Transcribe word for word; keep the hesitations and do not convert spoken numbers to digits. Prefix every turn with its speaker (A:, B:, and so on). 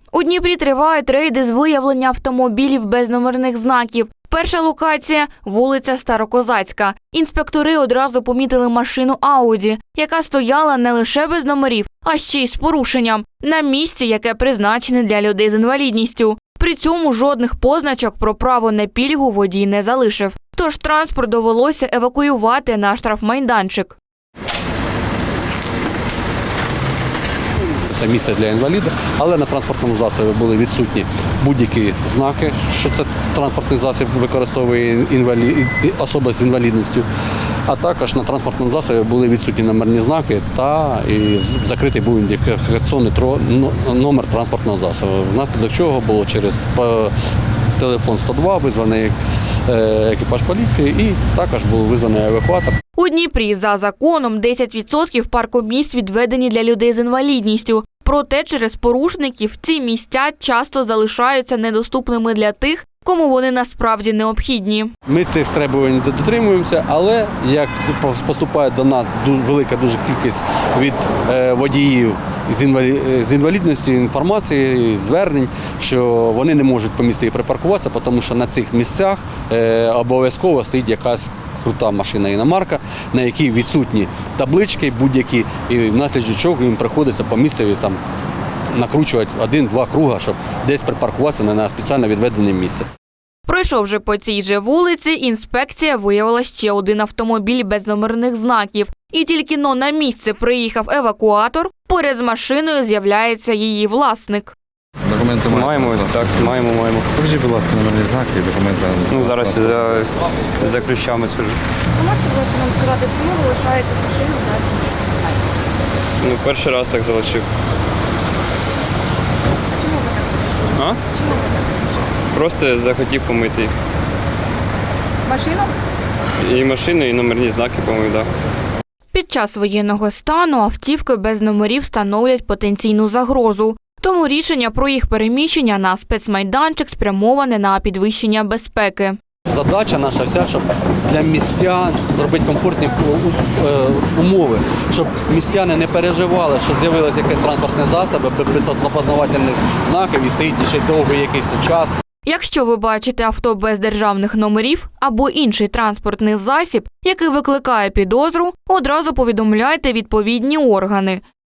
A: У Дніпрі тривають рейди з виявлення автомобілів без номерних знаків. Перша локація – вулиця Старокозацька. Інспектори одразу помітили машину «Ауді», яка стояла не лише без номерів, а ще й з порушенням. На місці, яке призначене для людей з інвалідністю. При цьому жодних позначок про право на пільгу водій не залишив. Тож транспорт довелося евакуювати на штрафмайданчик.
B: Це місце для інваліда, але на транспортному засобі були відсутні будь-які знаки, що це транспортний засіб використовує інвалід, особа з інвалідністю. А також на транспортному засобі були відсутні номерні знаки та і закритий був індикаційний номер транспортного засобу. Внаслідок чого було через телефон сто два визваний екіпаж поліції і також був визваний евакуатор.
A: У Дніпрі за законом десять відсотків паркомісць відведені для людей з інвалідністю. Проте через порушників ці місця часто залишаються недоступними для тих, кому вони насправді необхідні.
B: Ми цих требувань дотримуємося, але як поступає до нас велика дуже кількість від водіїв з інвалідністю інформації, звернень, що вони не можуть по місту припаркуватися, тому що на цих місцях обов'язково стоїть якась крута машина іномарка, на якій відсутні таблички будь-які, і внаслідок чого їм приходиться по містові там накручувати один-два круга, щоб десь припаркуватися на спеціально відведене місце.
A: Пройшовши по цій же вулиці, інспекція виявила ще один автомобіль без номерних знаків. І тільки но на місце приїхав евакуатор, поряд з машиною з'являється її власник.
C: Документи
D: маємо, так, маємо, маємо.
C: Покажіть, будь ласка, номерні знаки і документи.
D: Ну, зараз за, за ключами схожу.
E: Ви можете, будь ласка, нам сказати, чому ви лишаєте машину без номерних знаків?
D: Ну, перший раз так залишив.
E: А чому ви так вирішили?
D: А?
E: Чому ви так вирішили?
D: Просто захотів помити їх.
E: Машину?
D: І машину, і номерні знаки помив, так.
A: Під час воєнного стану автівки без номерів становлять потенційну загрозу. Тому рішення про їх переміщення на спецмайданчик спрямоване на підвищення безпеки.
B: Задача наша вся, щоб для містян зробити комфортні умови, щоб містяни не переживали, що з'явилися якісь транспортні засоби без опознавательних знаків і стоїть ще довгий якийсь час.
A: Якщо ви бачите авто без державних номерів або інший транспортний засіб, який викликає підозру, одразу повідомляйте відповідні органи.